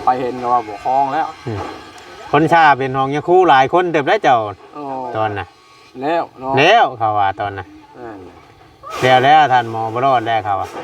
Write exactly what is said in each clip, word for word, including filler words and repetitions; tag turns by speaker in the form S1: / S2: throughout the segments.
S1: ไปเห็นก็ว่าบ่คลองแล้ว
S2: คนชาเป็นห้องยาคู่หลายคนเติบได้เจ้าตอนน่ะ
S1: แล้วเนาะ
S2: แล้วเขาว่าตอนน่ะแล้วแล้วท่านหมอบรอดแล้วเขาว่า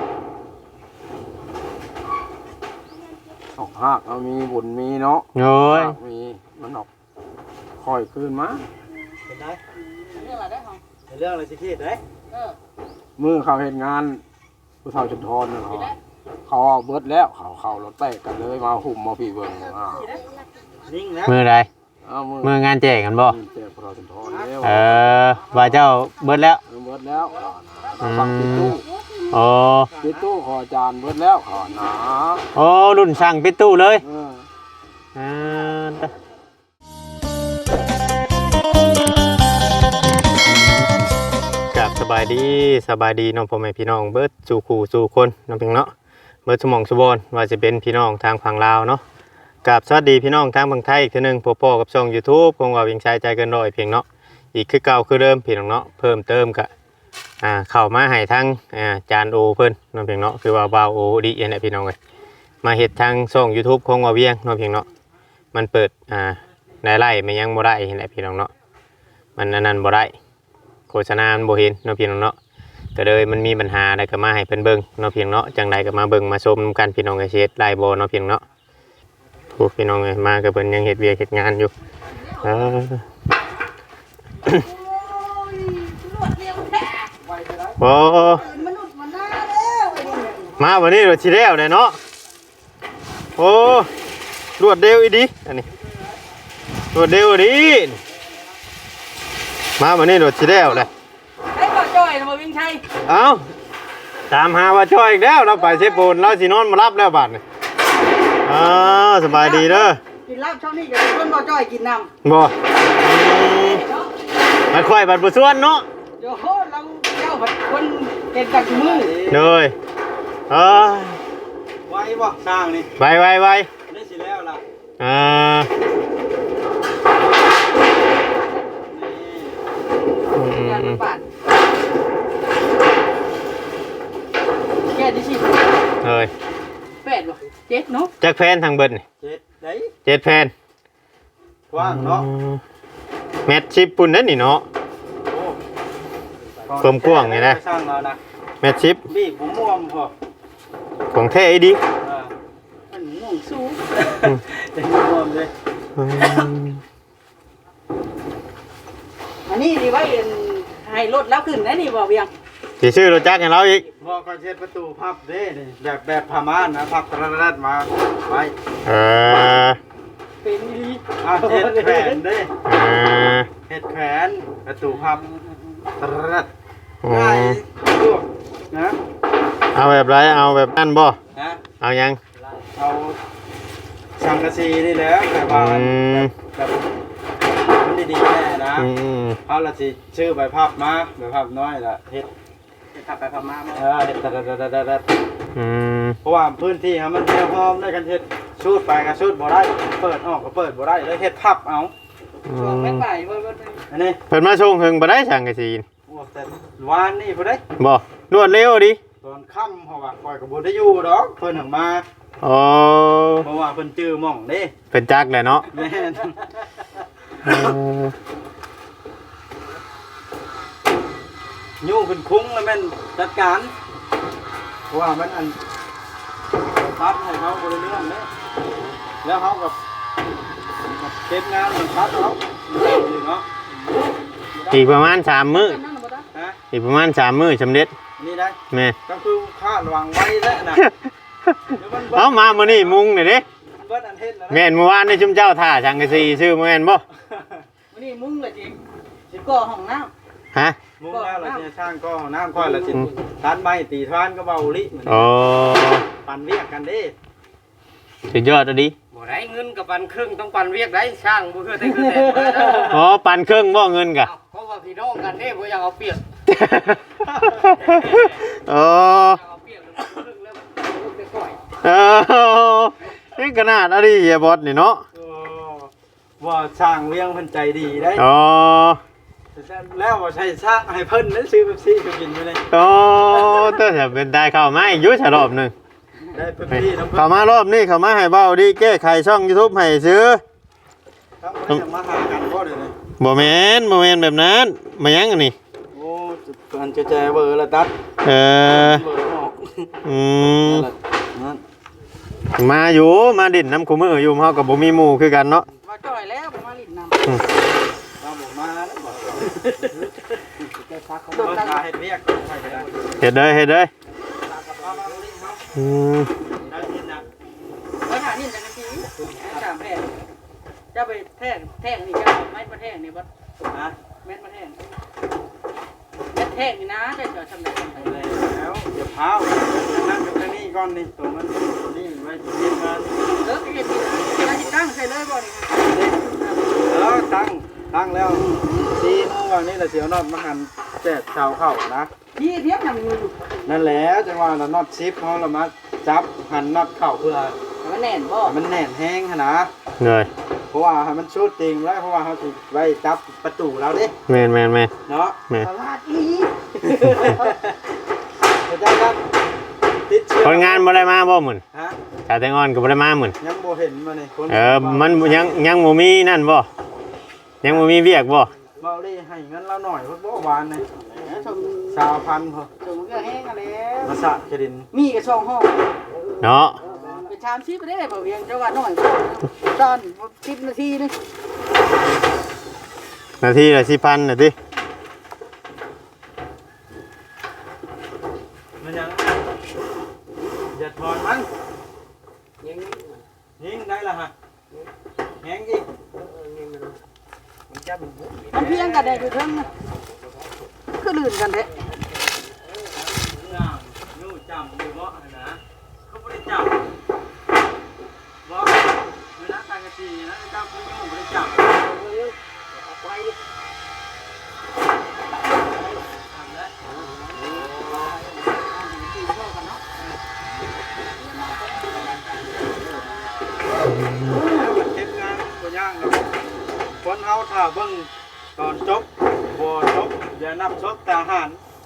S1: ออกหักเอามีบุญมีเนาะ
S2: โอ้ย
S1: มีมันออกค่อยขึ้นมา
S3: เป็นไงเรื่องอะไรได้ของเรื่องอะไรสิคิดได้เออ
S1: มือเขาเห็นงานผู้เฒ่าชุนทรเขาเขาเอาเบิดแล้วเขาเขารถแตกกันเลยมาหุ่มมาพี่เบิ่งอ่า
S3: นิ่งนะ
S2: มือใดมืองานแจกกันบ่
S1: แจกผู้เฒ่าชุนทรแล้ว
S2: เออว่าเจ้าเบิดแล้ว
S1: เบิดแล้วฟังปิดตู้
S2: โอ้
S1: ปิดตู้ขออาจารย์เบิดแล้วขอหนา
S2: โอ้รุ่นสั่งปิดตู้เลย
S1: เอ
S2: อกับสบายดีสบายดีน้องพ่อแม่พี่น้องเบิดสู่คู่สู่คนน้องเพียงเนาะเบิดสมองสุบอนว่าจะเป็นพี่น้องทางฝั่งลาวเนาะกับสวัสดีพี่น้องทางฝั่งไทยอีกทีนึงพ่อๆกับช่อง YouTube ของเราเพียงชายใจเกินร้อยเพียงเนาะอีกคือเก่าคือเดิมพี่น้องเนาะเพิ่มเติมกะอ่าเข้ามาให้ทางอ่าจานโอเพิ่นน้องเพียงเนาะคือว่าบาวโอดีเอ็นพี่น้องเอ้ยมาเฮ็ดทางช่อง YouTube ของว่าเวียงน้องเพียงเนาะมันเปิดอ่าในไล่มันยังบ่ได้เห็นแหละพี่น้องเนาะมันอันนั้นบ่ได้โฆษณาบ่เห็นน้องพี่น้องเนาะก็เลยมันมีปัญหาอะไรก็มาให้เพิ่นเบิ่งน้องเพียงเนาะจังไดก็มาเบิ่งมาชมกันพี่น้องเอ้ยเฮ็ดไล่บ่น้องเพียงเนาะผู้พี่น้องเอ้ยมาก็เพิ่นยังเฮ็ดเวียกเฮ็ดงานอยู่เออโอ้มาวันนี้รถชีเร็วเลยเนาะโอ้รวดเร็วอีดีอันนี้รวดเร็วดีมาวันนี้รถชีเร็วเลย
S3: ไอ้บ่จ้อยมาวิ่งชัย
S2: เอ้าตามหาว่าจ้อยอีกแล้วเราไปเชฟปูนเราสินอนมารับแล้วบาดนี่อ๋อสบายดีเด้อ
S3: กินลาบช่องนี้กับคนบ่จ้อยกินน้
S2: ำบ่มาค่อยบัดบ่ส่วนเนาะ
S3: โย่เราเจ้าคนเก่งกับมือ
S2: เลยเออ
S3: ไว้บ่สร้างนี่
S2: ไวไวไว
S3: ได้สิแล้วล่ะ
S2: อ่า
S3: แก่ดิสิ
S2: เลย
S3: แปดบ่เจ็ดเนาะ
S2: จักแฟนทางเบิ้ลนี่
S3: เจ็ดได้
S2: เจ็ดแฟน
S3: กว้างเนาะ
S2: แมทชิปปุ่นนั่นนี่เนาะกลมกว้างไงนะแมทชิป
S3: บีบม่วงพอ
S2: ของแท้ไอ้ดิ
S3: มันม่วงสูงจะม่วงเลยอันนี้ดีไว้ให้รถแล้วขึ้นได้นี่บ่เบียง
S2: สิซื้อรถจักรให้เราอีก
S3: บ่ก็เช็ดประตูพับเด้นี่แบบแบบผ้าม่านนะพับตรัดมาไว้
S2: เออ
S3: เป็นอีอ่าเฮ็ดแขวนเด้
S2: อ่า
S3: เฮ็ดแขวนประตูพับตรัดง่ายลวกนะ
S2: เอาแบบไรเอาแบบนั่นบ่
S3: ฮะ
S2: เอายัง
S3: เอาสังกะสีนี่แหละแบบว่าแบบมันดีๆแน่นะเอาละสิชื่อใบพับมาใบพับน้อยละเฮ็ดเฮ็ดพับใบพับมาเออเฮ็ดตัดๆๆเพราะว่าพื้นที่ครับมันแคบพร้อมได้กันเฮ็ดชูดไปก็ชูดบ่ได้เปิดออกก็เปิดบ่ได้เลยเฮ็ดพับเอาช่วงแม่นบ่ายเบิ่งอันนี้
S2: เพิ่นมาส่งเฮิงบ่ได้สังกะสี
S3: โอ้แต่วานนี่บ่ได้
S2: บ่รวดเร็วดิ
S3: ตอนค่ำเพราะว่าคอยก็บ่ได้อยู่ดอกเพิ่นถึงมา
S2: อ๋อ
S3: เพราะว่าเพิ่นจื้อหม่องเด้
S2: เพิ่นจักแหละเนาะ
S3: แม่นยุ่งเป็นคุ้งแล้วแม่นจัดการเพราะว่ามันอันพัดให้เขาบริเรื่องเลยแล้วเขากับเก็บงานมันพัดเขาเนาะ
S2: อีกประมาณสามมื้ออีกประมาณสามมื้อสำเร็จ
S3: นี่ได้
S2: แม่
S3: ก็คือคาดหวังไว้แล้วนะ
S2: เอามามื้อนี้มุงนี่เด้แม่นเมื่อวานนี่ชุมเจ้าท่าสังกะสีซื้อแม่นบ่
S3: มื้อนี้มุงละจริงสิก่อห้องน้ำ
S2: ฮะ
S3: มุงแล้วเราจะสร้างก็น้ำค่อยละสิทานใบตีทานก็เบาลิ
S2: อ๋อ
S3: ปั่นเรียกกันดิ
S2: สุดยอดดิ
S3: บ่ได้เงินกับปั่นครึ่งต้องปั่นเรียกได้สร้างบ่คือได้คือแต่
S2: อ๋อปั่นครึ่งบ่เงินกะ
S3: เพราะว่าพี่น้องกันเด้บ่อยากเอาเปรียบ
S2: อ๋อเออนี่ขนาดอะไรเฮียบอสนี่เนาะ
S3: ว่าสร้างเลี้ยงเพิ่นใจดีได้
S2: อ๋อ
S3: แล้วว่าใช้สร้างให้เพิ่นนั้นซื้อเป๊ปซี่ไปกินไปเลย
S2: อ๋อแต่จะเป็นได้เข้ามาอีกยุชรอบนึง
S3: แได้เพิ่นพี่น้ำเพิ่น
S2: เข้ามารอบนี้เข้ามาให้เบาดีแก้ไขช่อง YouTube ให้ซื้อ
S3: ครับบ่ได้มาหากันบ่เด้อนี่
S2: บ่แม่นบ่แม่นแบบนั้นมายังอันนี้
S3: โอ้อันจะแจเบอร์ละตัด
S2: เออ
S3: เบอร์ออก
S2: อืม
S3: นั่น
S2: มาอยู่มาดินน้ำคุมืออยู่เฮาก็บ่มีหมู่คือกันเนาะ
S4: มาจ่อยแล้วมาลิ้นน้
S3: เราบอกมาแล้วบอก
S4: ำแกซักเขา
S3: โดนตาเฮ็ดเวียกใช่ก็ได้
S2: เฮ็ดเด้อเฮ็ดเด้ออืม
S3: ได้ยินนะ
S4: เออหานี่จากทีสามแผ่นจะไปแท่งแท่งนี่จะไม่มาแท่งนี่บัด
S3: นะ
S4: แม่นมาแท่งแม่นแท่งนี่นะจะจะทำได้ทำได้
S3: แล้วเดี๋ยวเผานั่งกับนี่ก่อนนี่ตัวมันนี่ไว้เย็นมา
S4: เออก็เห็นดีแล้วจิตั้งใส่เลยบ่นี่
S3: เออตั้งตั้งแล้วซีโมงวันนี้ละเสียวนอดมาหันแจกชาวเข้านะ
S4: ยี่เทียบยังอยู่อยู่
S3: นั่นแหละจังหวะเรานอดชิปเขาเรามาจับหันนอดเข้าเพื่อ
S4: มันแน่นบ่
S3: ให้มันแน่นแห้งขนาด
S2: เหนื่อย
S3: เพราะว่าให้มันชูดจริงแล้วเพราะว่าเขาสิไว้จับประตูเราดิ
S2: แม่นแม่นแม่น
S3: เนาะ
S2: แม่น
S4: ตลาดอี
S3: เข้าใจครับติดเชื้อ
S2: คนงานบ่ได้มาบ่หมื้น
S3: ฮะ
S2: ชาวแตงอ่อนก็บ่ได้มาหมื้น
S3: ยังบ่เห็นมานี่คน
S2: เออมันยังยังบ่มีนั่นบ่ยังบ่มีเวียกบ่
S3: เบาดิให้เงินเราหน่อยเพราะบ่หวานนี่
S4: ชม
S3: ชาวพันธุ์พอ
S4: ชมเรื่องแห้งกันแล้ว
S3: มาสะเครดิน
S4: มีกระช่องห้อง
S2: เนาะ
S4: เป็นชามชีพไปได้บ่เวียงจังหวัดน้อยตอนสิบนาทีนึง
S2: นาทีละสี่พันน่ะติ
S3: มันยังอย่าถอนมัน
S4: ยัง
S3: ยิงได้ละฮะแหงอีก
S4: มันเพียงกันได้อยู่เทั้งนะคือลื่นกันแท้
S3: ย่างยู่จำอยู่บ่นะเขาบ่ได้จับบ่เวลาการกะจีนะจับคืออยู่บ่ได้จับ
S4: ไปดิ
S3: ทำได้เก็บงานบ่ย่างแล้วคนเฮาถ้าเบิ่งตอนจบบ่จบอย่านับศพทหาร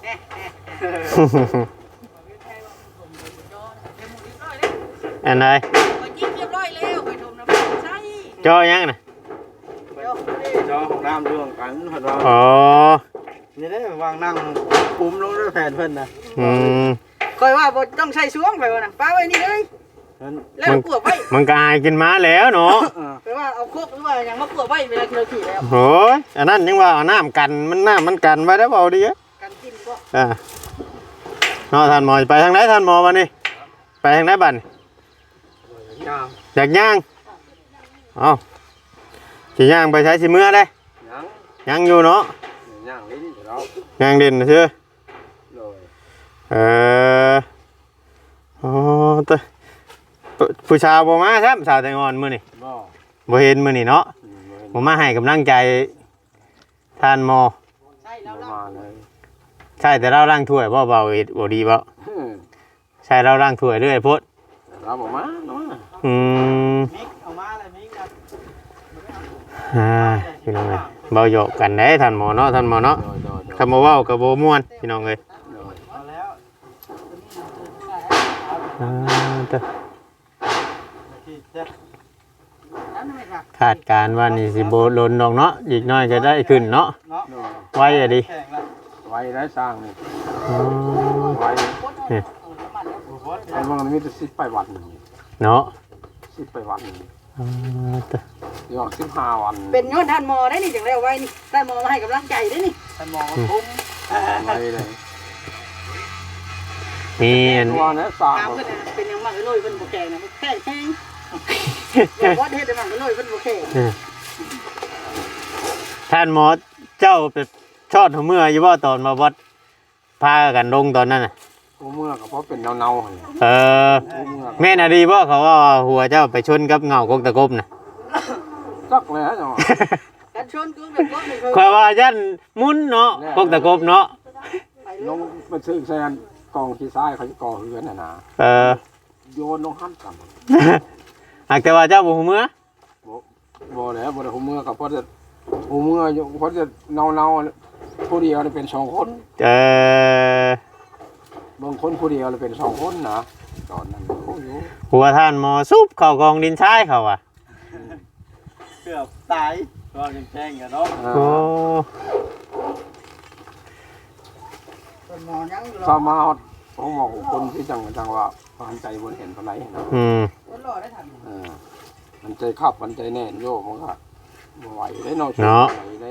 S2: อันใด
S4: ไปยิงเรียบร้อยแล้วไปชมน้ำใช่
S2: จอยังน่ะ
S4: เดี๋ยว
S3: จอของน้ำร่วมกันเพิ่นว่า
S2: อ๋อ
S3: นี่ได้วางนั่งปุ้มลงด้วยแผ่นเพิ่นน่ะ
S2: อืม
S4: คอยว่าบ่ต้องใช้สวงไปวะนะป้าไว้นี่เลย
S3: เพิ่น
S4: แล้วกลัวไว้
S2: มันก็อายขึ้นมาแล้วเนาะ
S3: เออ
S4: ไปว่าเอาโคกหรือว่าอย่างมากลัวไว้เวลาที่เราขี่แล้ว
S2: โหยอันนั้นยังว่าเอาน้ำกันมันน้ำมันกันไว้ได้เปล่าดีอะ
S4: กันกินก็
S2: อ่าเนาะท่านหมอไปทางไหนท่านหมอมานี่ไปทางไหนบัดน
S3: ยาม
S2: อยากย่างเอาสิย่างไปใช้สิเมื่อได้
S1: ยัง
S2: ยังอยู่เนาะ
S1: ย่างลิ้นอยู่แล้ว
S2: ย่างเด่นนะเชื่อ
S1: เลย
S2: เออโอ้ตะผู้ผู้ชาวบ่มาครับสาวแตงอ่อนมื้อนี่
S1: บ่
S2: บ่เห็นมื้อนี่เนาะ
S1: อืมบ่เห็น
S2: บ่มาให้กำลังใจท่านหมอ
S4: ใช่แล้ว
S1: บ่
S4: เรา
S1: มาเลย
S2: ใช่แต่เราล้างถ้วยบ่เบาเอ็ดบ่ดีบ่
S1: อืม
S2: ใช่เราล้างถ้วยเรื่อยโพด
S1: เราบ่มาเนาะ
S2: อืม
S3: มิกเอามาเลยมิกนะ
S2: อ่าพี่น้องเอ้ยเบาหยอกกันได้ท่านหมอเนาะท่านหมอเนาะ
S1: โดยโดยโดย
S2: คำว่าเว้ากับบ่ม่วนพี่น้องเอ้ย
S1: โดย
S3: เอาแล้ว
S2: อ่าตะ
S3: ที่จะ
S4: แล้วนั่นไม่ค่ะ
S2: คาดการณ์ว่านี่สิบ่ล้นดอกเนาะอีกหน้อยก็ได้ขึ้นเนาะ
S3: เนาะ
S1: โดย
S2: ไว้อะดิ
S3: แข่งละ
S1: ไว้ได้สร้างนี่
S2: อ๋อ
S1: ไว้
S4: โคตรเอาเอาน้ำมันแล้ว
S3: โอ้โห
S1: ไอ้มันมีแต่สิบไปวันนี่
S2: เนาะ
S1: สิบไปวันนี่
S2: อ่าตะ
S1: เดี๋ยวสิบห้าวัน
S4: เป็นย้อนท่านหมอได้นี่จังแล้วไว้นี่ท่านหมอมาให้กำลังใจได้นี่
S3: ท่านมองคุ้ม
S1: ไว้เลย
S2: มีอัน
S1: ตัวนี้สร้าง
S4: ถาม
S1: บ่
S4: เพิ่นน่ะเป็นยังมากเลยเพิ่นบ่แข็งนะแข็งแข็งบ่ว่าเฮ็ดได้มากเลยเพิ่นบ่แข็ง
S2: ท่านหมอเจ้าไปชอดหัวเมื่ออยู่บ่ตอนมาวัดพากันลงตอนนั้นน่ะ
S1: กูเมื่อก็เพราะเป็นเนาๆหั่น
S2: เออ
S1: กูเมื่อ
S2: แม่นอะดีบ่เขาว่าหัวเจ้าไปชนกับเงากกตะกบน่ะ
S1: จักเลยฮะจังหวะ
S4: กันชนกูแบบก็ไม่เคย
S2: ข่อยว่ายันหมุนเนาะกกตะกบเนาะ
S4: ไป
S1: ลงไปซื้อแซนกองขี้ซ้ายเขาจะก่อเฮือนน่ะนะ
S2: เออ
S1: โยนลงหันกัน
S2: หากแต่ว่าเจ้าบ่หัวเมื่อ
S1: บ่แล้วบ่ได้หูเมื่อก็เพราะจะหูเมื่ออยู่เพราะจะเนาๆผู้เดียวนี่เป็นสองคน
S2: เออบ
S1: างคนผู้เดียวนี่เป็นสองคนนะตอนนั้นโอ้อยู่
S2: หัวท่านหมอซุบเข้ากองดินทรายเขาอ่ะ
S3: เกือบตายก็ยังแจ้งกันเนาะ
S2: โอ้
S4: ต้นหมอยังอยู่
S1: สามาฮอดของหมอคนที่จังจังว่าหันใจบนเห็นปานไหนนะ
S2: อืม
S4: ต้นรอได้ทัน
S1: เออมันใจขับมันใจแน่นโยมมันก็บ่ไหวได้เนาะไหวได้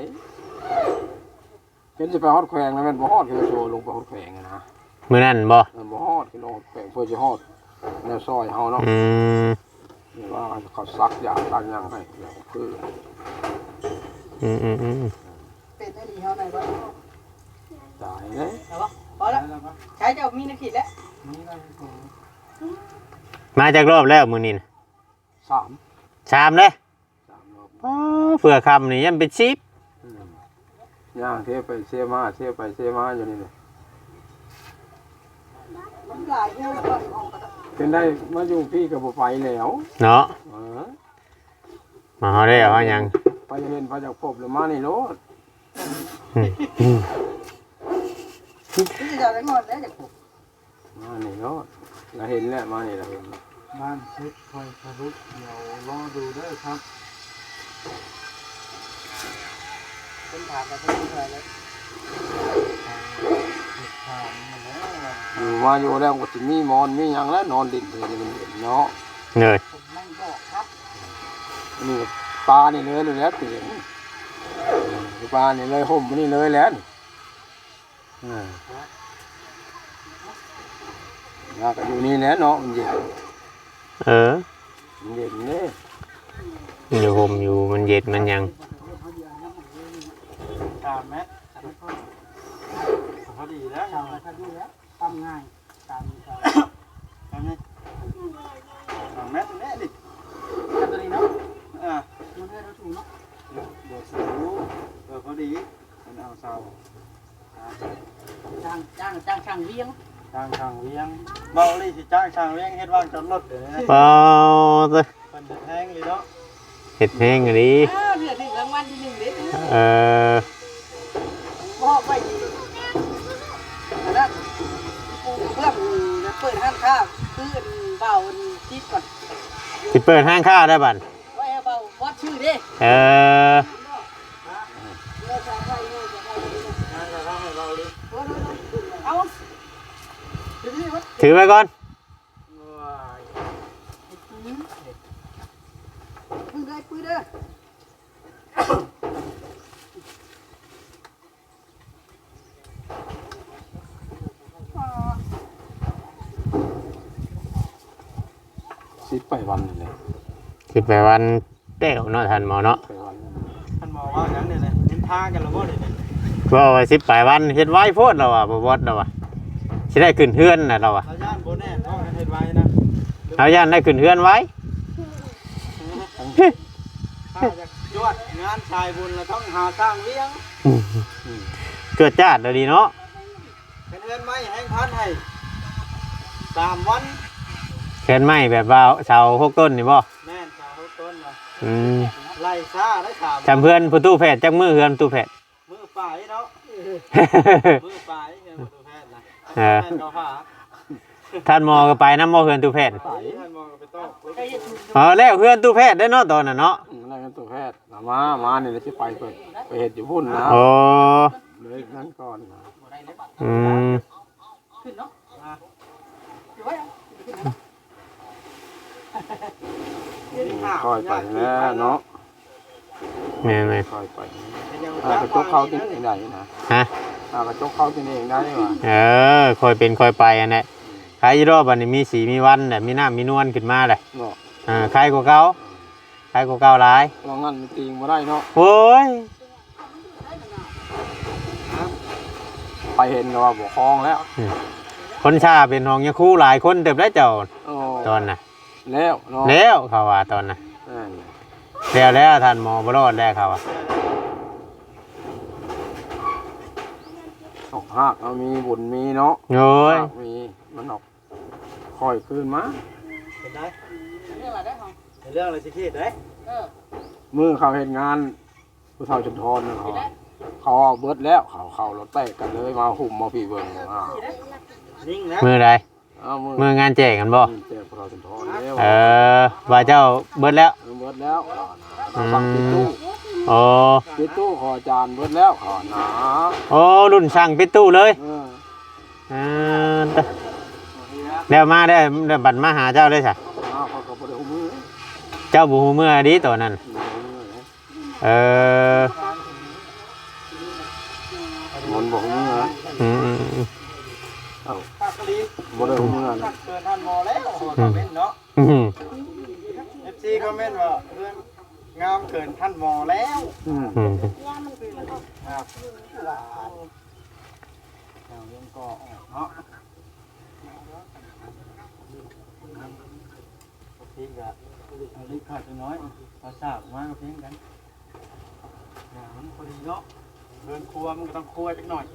S1: เป็นสิไปฮอดแขวงแล้วแม่นบ่ฮอดคือโชว์ลงไปฮอดแขวงนะ
S2: มื้อนั้นบ่
S1: เออบ่ฮอดคือลงแขวงเพื่อสิฮอดแนวซอยเฮาเนาะ
S2: อืม
S1: นี่ว่าเขาซักยาซักหยังให้แล้วคือ
S2: อืมอืมอืม
S4: เป็นได้ดีเท่าไหร่บ้าง
S1: ตายเด้
S4: แต่ว่าพอแล้วใช้เจ้ามีนักขีดแล้ว
S2: มาจากรอบแล้วมื้อนี้น่ะ
S1: สาม
S2: ชามเลย
S1: สามรอบ
S2: อ๋อเผื่อคำนี่ยังเป็นชิป
S1: อืมย่างเทไปเสียมาเสียไปเสียมาอยู่นี่เลย
S4: มันหลายเนี่ยแล้วก็ห้องก็ต้อง
S1: เป็นได้มาอยู่พี่กับบ่ไปแล้ว
S2: เนาะ
S1: เออ
S2: มาเฮาได้ว่าหยัง
S1: ไปเห็นไปจากพบแล้วมานี่โลด
S2: อืมอืม
S4: ที่จะได้งอนแล้วจากผม
S1: มานี่โลดเราเห็นแล้วมานี่เราเห็น
S3: บ้านเช็คคอยสรุปเดี๋ยวรอดูเด้อครับ
S4: เป็นถามกันเป็นอะไรเลย
S3: ถามมาแล้ว
S1: อยู่มาอยู่แล้วก็สิมีหมอนมีหยังแล้วนอนดินเลยมันเห็นเนาะ
S2: เหนื่อย
S4: ผมไม่บอกครับ
S1: นี่ปลานี่เลยเลยแล้วเปลี่ยนปลานี่เลยห่มนี่เลยแล้วนี่อ่าน่าก็อยู่นี่แหละเนาะมันเย็น
S2: เออ
S1: มันเย็นเด้
S2: อยู่ห่มอยู่มันเย็นมันหยัง
S3: ตามแมทพอดีแล้ว
S4: ชาวบ้านดูแล้วตั้งง่ายตามตาม
S3: ตามนี้ตามแมทแม่ดิ
S4: ตัวนี้เนาะ
S3: อ่า
S4: มันให้เราถูกเนาะ
S3: เดี๋ยวสูเออพอดีมันเอาเสา
S4: จ้างจ้างจ้างช่างเลี้ยง
S3: ทางทางเลี้ยงเบาลี่สิจ้างทางเลี้ยงเฮ็ดว่างจอดรถเด้อ
S2: เปล่าตัว
S3: เป็นจะแทงเลยเนาะ
S2: เห็ดแห้งอันนี้
S4: อ้าวเดือดถึงรางวัลที่หนึ่งเด็ด
S2: เออ
S4: บอกไปดีอันนั้นปูเพื่อนจะเปิดห้างค้าคือเบาทิศก่อน
S2: สิเปิดห้างข้าวได้บัด
S4: ไว้ให้เบาวัดชื่อดิ
S2: เออ
S3: งานจะทำให้เบาลี่
S4: เอาทีนี้วัด
S2: ถือไว้ก่อน
S3: ว้าย
S4: ปืนได้ปืนเด้อ
S1: สิไปวันนี่เลย
S2: สิไปวันเต้วเนาะท่านหมอเนาะ
S1: ไปวันนี่
S3: ท่านบอกว่าอย่างนี้เลยเห็นทางกันแล้วบ่ได้เนี่ย
S2: ว่าไว้สิไปวันเฮ็ดไว้โพดเราอ่ะบ่บดเราอ่ะสิได้ขึ้นเฮือนน่ะเราอ่ะ
S3: เราย่านบ่แน่ต้องเฮ็ดไว้นะ
S2: เอาย่านได้ขึ้นเฮือนไว้
S3: ถ้าจะจวดงานชายบุญเราต้องหาสร้างเลี้ยง
S2: เกิดจ้าดเลยดีเนาะ
S3: เป็นเงินไหมแห้งพันให้สามวัน
S2: แคนไม้แบบว่าเสาหกต้นนี่บ่
S3: แม่นสาวต้นเนาะ
S2: อืม
S3: ไล่ซ่าได้สาม
S2: จำเพื่อนประตูแพทย์จักมือเฮือนประตูแพทย์
S3: มือป่ายเนาะมือป่ายเงินตัวแพทย์นะ
S2: เออ
S3: แพทย์เขาหา
S2: ท่านหมอก็ไปน้ำหมอเฮือนตู้แพทย์
S3: ป่ายท่านมองไปต้อง
S4: ไอ้ยัน
S2: เอาแล้วเฮือนตู้แพทย์ได้อเนาะตอนน่ะเนาะ
S1: อะไรกันตัวแพทย์เอามามานี่เลยสิไปเปิดไปเห็ดอยู่พุ่นนะ
S2: โอ้
S1: เลยนั้นก่อนนะ
S2: อืม
S4: ขึ้นเนาะ
S3: อ่ะ
S4: อยู่ไว้
S1: ค่อยไปแล้วเนาะ
S2: แม่
S1: ค่อยไป
S3: ยัง
S1: ถ้ากระจกเข้ากินเองได้นะ
S2: ๆฮะ
S1: ถ้ากระจกเข้ากินเองได้ว่ะ
S2: เออคอยเป็นคอยไปอันนี้ใครรอบอันนี้มีสีมีวันน่ะมีน้ำมีนวลขึ้นมาเลย
S1: เนาะ
S2: อ่าใครกว่าเก่าใครกว่าเก่าหลาย
S1: ลองงั้นมันตีงมาได้เนาะ
S2: โอ้ย
S1: ไปเห็นก็ว่าบ่คลองแล้ว
S2: คนชาเป็นห้องยาคู่หลายคนเติบได้เจ้า
S1: โอ้
S2: ตอนน่ะ
S1: แล้วเนาะ
S2: แล้วเขาว่าตอนน่ะ
S1: นั่น
S2: แล้วแล้วท่านหมอบรอดแล้วเขาว่า
S1: ออกหักเอามีบุญมีเนาะ
S2: โอ้ย
S1: หักมีมันออกค่อยคืนมา
S3: เป็นได้
S4: เรื่องอะไรได้ของ
S3: เป็นเรื่องอะไรสิคิดได้
S4: เออ
S1: มือเขาเห็นงานผู้เฒ่าจนทอนนะเขาเขาเอาเบิดแล้วเขาเขารถแตกกันเลยมาหุ่มมาพี่เบิ่งอ่า
S3: นิ่งนะ
S2: มือใด
S1: อเอามือ
S2: มืองานแจกกันบ่
S1: แจกพระสุนทรแล้ว
S2: เออว่าเจ้าเบิดแล้ว
S1: เบิดแล้วเอาสั่งปิดตู้
S2: โอ้
S1: ปิดตู้ขออาจารย์เบิดแล้วขอหนา
S2: โอ้รุ่นสั่งปิดตู้เลย
S1: เออ
S2: เออเดี๋ยวมาได้เดี๋ยวบัดมาหาเจ้าเลยจ้ะ
S1: อ้าวเขาก็บ่ได้หูมือ
S2: เจ้าบูฮูเมื่อดีตัวนั้น เออ
S1: มันบอกหูมือนะ
S2: อืมอืมอืม
S1: เอ้า
S3: ภาคลี
S1: บ่ได้หูมือนะ
S3: เกินท่านหมอแล้วคอมเมนต์เนาะ
S2: อืม
S3: เอฟซีคอมเมนต์ว่าเพื่อนงามเกินท่านหมอแล้ว
S1: อืม
S2: อืม
S3: ครับหลานเอาเรื่องก็ออกเนาะพี่ก็เอาลิขาดไปน้อยภาษามาเพียงกันอย่างมันพอดีเนาะเดินครัวมันก็ต้องครัวจักหน่อย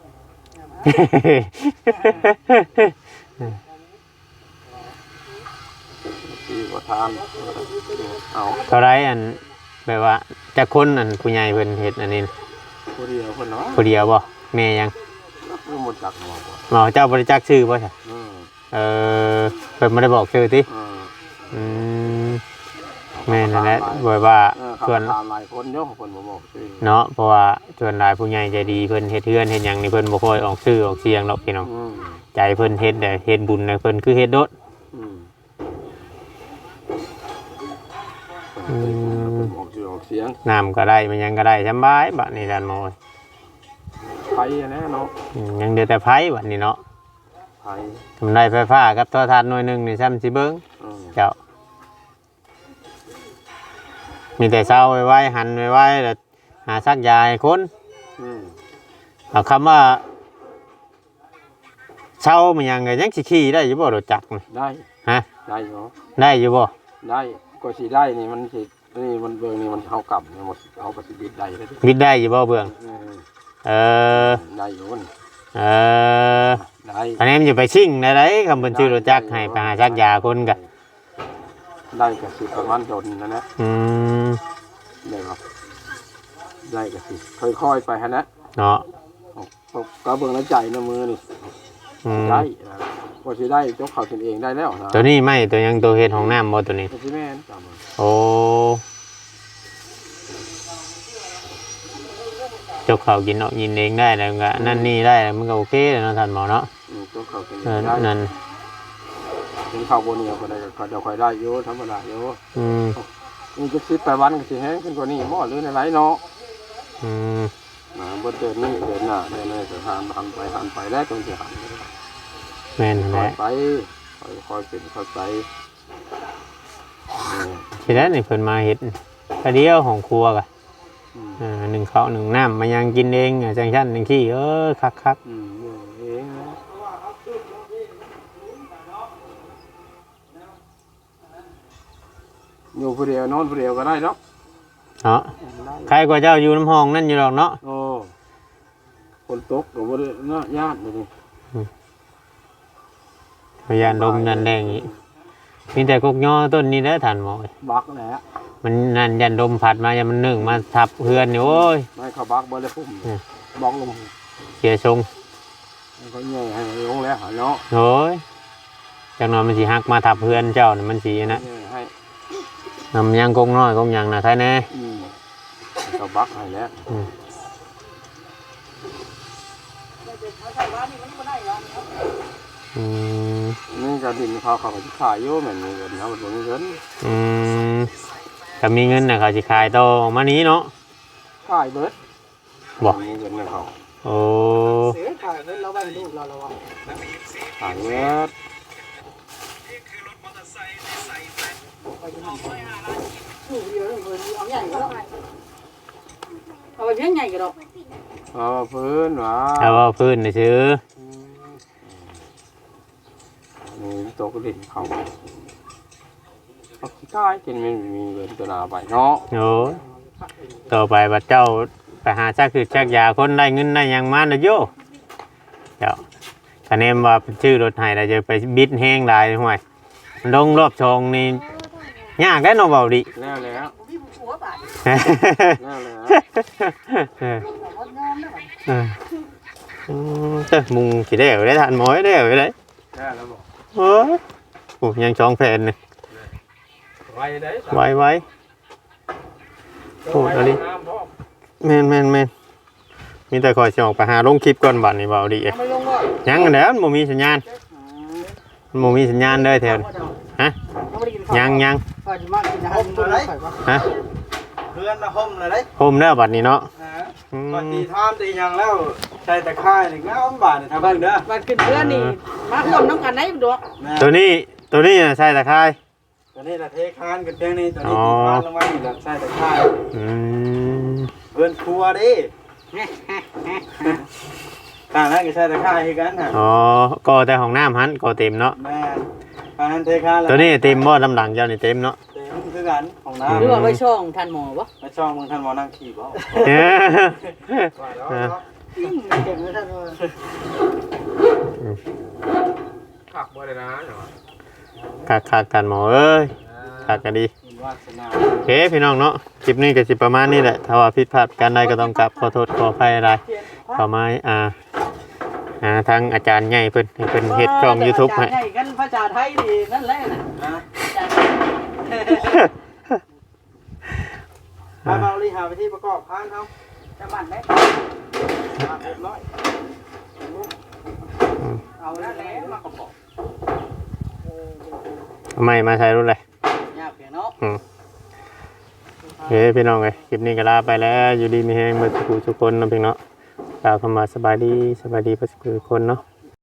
S1: ที่ประธานเอา
S2: เท่าไรอันแบบว่าจะคนอันผู้ใหญ่เพิ่นเฮ็ดอันนี้
S1: ผู้เดียวคนเนาะ
S2: ผู้เดียวบ่แม่ยัง
S1: คือหมดจักหมดบ่
S2: หมอเจ้าบริจาคชื่อบ่ใช่
S1: อืม
S2: เออเพิ่นบ่ได้บอกชื่อติ
S1: อืม
S2: อืมแม่นั่นแหละบ่ว่า
S1: เออ
S2: ส่วน
S1: ถามหลายคนเนาะคนบ่บอกชื่อ
S2: เนาะเพราะว่าส่วนหลายผู้ใหญ่ใจดีเพิ่นเฮ็ดเฮือนเฮ็ดหยังนี่เพิ่นบ่ค่อยออกชื่อออกเสียงดอกพี่น้อง
S1: อืม
S2: ใจเพิ่นเฮ็ดแต่เฮ็ดบุญน่ะเพิ่นคือเฮ็ดโดด
S1: อืม
S2: อืม
S1: ออกชื่อออกเสียง
S2: น้ำก็ได้มันยังก็ได้สำบายบัดนี้ท่านหมอ
S1: ไผอะนะเนาะ
S2: อืมยังเดือแต่ไผบัดนี้เนาะ
S1: ไผ
S2: ทำได้ไฟฟ้ากับโทรทัศน์หน่วยหนึงนี่ซ้ำสิเบิ่ง
S1: อืม
S2: เจ้ามีแต่เช้าไว้ๆหันไว้ๆแล้วหาซักยาให้คน
S1: อืม
S2: เอาคำว่าเช้ามันยังไงยังสิขี่ได้อยู่บ่รถจักรนี่
S1: ได้
S2: ฮะ
S1: ได้เนาะ
S2: ได้อยู่บ่
S1: ได้ก็สิได้นี่มันสินี่มันเบิ่งนี่มันเฮากลับเนี่ยหมดเฮาก็สิบิดได้เลยดิ
S2: บิดได้อยู่บ่เบื้อง
S1: เออ
S2: เออ
S1: ได้อยู่มัน
S2: เออ
S1: ได้
S2: อันนี้มันจะไปชิ่งได้ไรคำเป็นชื่อรถจักรให้ไปหาซักยาคนกะ
S1: ได้ก็สิประมาณจนนั่นแหละ
S2: อืม
S1: ได้ครับได้ก็สิค่อยๆไปฮะนะ
S2: เนาะ
S1: ก็เบิ่งแล้วใจนะมือนี่
S2: อืม
S1: ได้นะก็สิได้ยกเขาขึ้นเองได้แล้วนะ
S2: ตัวนี้ไม่ตัวยังตัวเฮ็ดของน้ำบ่ตัวนี้
S1: ก็สิแม่นจำมัน
S2: โอ้เจ้าเขากินเนาะกินเองได้แล้วก็นั่นนี่ได้แล้วมันก็โอเคแล้วเนาะท่านหมอเนาะ
S1: อืมยกเขาขึ้นเอ
S2: เออง
S1: ได้
S2: นั่น
S1: ถึงเขาบนเนี่ยก็ได้ก็เดี๋ยวค่อยได้อยู่ธรรมดาอยู่
S2: อืม
S1: นี่จะสิบแปดวันก็สิแห้งขึ้นกว่านี้หม้อหรือในไรเนาะ
S2: อืม
S1: นะบนเดินนี่เดินหน้าเดินในสถานหันไปหันไปแล้วตรงที่หัน
S2: แม่นนั่น
S1: ค
S2: แห
S1: อย
S2: ละ
S1: ไปคอยคอยเป็นคอยไปนี่
S2: ทีแรกนี่เพิ่นมาเฮ็ดกระเดียวของครัวกะ
S1: อืม
S2: อ่าหนึ่งข้าวหนึ่งน้ำมันยังกินเองอ่ะจังชั้นจังขี้เออคัก
S1: อืมอยู่เองนะอยู่ผู้เดียวนอนผู้เดียวก็ได้เนาะ
S2: ๆเนาะ
S1: ได้
S2: ใครกว่าเจ้าอยู่น้ำห้องนั่นอยู่หรอกเนาะ
S1: โอ้คนตกก็บ่ได้เนาะญาติเลยนี่
S2: พยานลมนั่นแรงอีกมีแต่กกย่อต้นนี้เด้อท่านหมอ
S1: บักแหละ
S2: มันนั่นยันลมพัดมายันมันนึ่งมาทับเพื่อนนี่โอ้ย
S1: ไม่เขาบักบ่ได้พุ่ม
S2: อืม
S1: บักลง
S2: เสียทรง
S1: มันก็แย่ให้ลงแล้วหาเนาะ
S2: โอ้ยจังหน่อยมันสิหักมาทับเพื่อนเจ้าน่ะมันสินะ
S1: แย่ให้
S2: นำยังกงน้อยกงหยังนะใครแน่
S1: อืมเขาบักให้แล้ว
S2: อืม
S4: ใส่ว่านี่มันก็ได้แล้วครับ
S2: อืม
S1: นี่ก็ดินเขาเขาก็สิขายอยู่แม่นมีเงินเฮาบ่มีเงิน
S2: อืมถ้ามีเงินน่ะเขาสิขายต่อออกมานี้เนาะ
S1: ขายเบิด
S2: บ่
S1: มีเงินให้เขา
S2: โอ้
S4: เสียขายเงินเราไปลูกเราเราว่า
S1: ขายเบิด
S4: ลูกเดียวเงินเอาใหญ่ก็ได้เอาไปเพียงใหญ่ก็ได้
S1: เอาพื้นว่า
S2: ถ้าว่าพื้นน่ะซื้อ
S1: นี่ตกดินเขาเอาขี้กายกินมันมีเงินตัวหนาไปเนาะ
S2: โอ้ยต่อไปบัดเจ้าไปหาชักคือชักยาคนได้เงินได้หยังมาเด้อโยเจ้าคะแนนว่าเป็นชื่อรถให้เราจะไปบิดแห้งหลายห่วยมันลงรอบชงนี่ยากได้เนาะเบาดิ
S1: แล้วแล้ว
S4: พี่ผัวบาด
S1: แล้วแล้ว
S2: เออ
S4: แต่ว่างามนะ
S2: เอออืมเจ้ามุงสิได้เอาได้ทานหมอยได้เอาได้
S1: แล้วแล้วบอก
S2: เฮ้ยโอ้ยังสองแผ่นนี่
S1: ไว้ได้
S2: ไว้ไว้โอ้อันนี้แม่นแม่นแม่นมีแต่คอยสิออกไปหาลงคลิปก่อนบัดนี้เบาดีเอ้ย
S4: ไม่ลงบ่
S2: ยังอันแล้วมันบ่มีสัญญาณมันบ่มีสัญญาณเลยแถวนี้ฮะยังยัง
S4: ก็จะมากินอาหารตัวไหน
S2: ฮะ
S3: เพื่อนนะห่มเลยเด้
S2: โฮมแล้วบัดนี้เนาะ
S3: นะปฏิทานตีหยังแล้วใช้ตะไคร้นี่งามบาดนี่ทำเบิ่งเด้อ
S4: มันขึ้นเพื่อนนี่มาร่วมน้ำกันไหนดอก
S3: แม่
S2: ตัวนี้ตัวนี้น่ะใช่ตะไคร้
S3: ตัวนี้ละเทคานกันเพียงนี้ตัวนี้ตีทานลงมานี่ละใช้ตะไคร้
S2: อืม
S3: เพื่อนครัวดิทางนั้นก็ใช้ตะไคร้คือกันฮะ
S2: อ๋อก็แต่ห้องน้ำหันก็เต็มเนาะ
S3: แม่ทางนั้นเทคานแล้ว
S2: ตัวนี้เต็มบ่ลำหลังเจ้านี่เต็มเนาะ
S3: เต็มคือกันของน้
S4: หรือว่าไว้ช่องทันหมอบ่
S3: ำมาช่องมึงท่านหมอนั่งขี่บ่
S2: เอ้ย
S3: ว่าแล้วเนาะ
S4: จริงเก่งเลยท่านว่า
S1: ขับบ่ได้นะ
S2: คักคักกันหมอเอ้ยคักกันดี
S3: คุณวาสนา
S2: โอเคพี่น้องเนาะคลิปนี้ก็สิประมาณนี้แหละถ้าว่าผิดพลาดกันใดก็ต้องกลับขอโทษขออภัยอะไรขอไม้อ่าอ่าทางอาจารย์ใหญ่เพิ่นให้เพิ่นเฮ็ดช่อง YouTube ให้
S4: ให้กันภาษาไทยนี่นั่นแหละนะ
S3: ฮะ
S4: อาจารย์
S3: พาเมาลีหาไปที่ประกอบพานเขา
S4: จะบ้านไหน
S3: มาเรียบร้อย
S4: เอาแล้วแหละมากระบอก
S2: เอาไม่มาใช้รุ่นเลย
S4: ยากเพียงเนาะ
S2: อืมโอเคพี่น้องเอ้ยคลิปนี้ก็ลาไปแล้วอยู่ดีมีแฮงเมื่อสักครู่ทุกคนเนาะพี่เนาะกล่าวคำว่าสบายดีสบายดีเพื่อนทุกคนเนาะ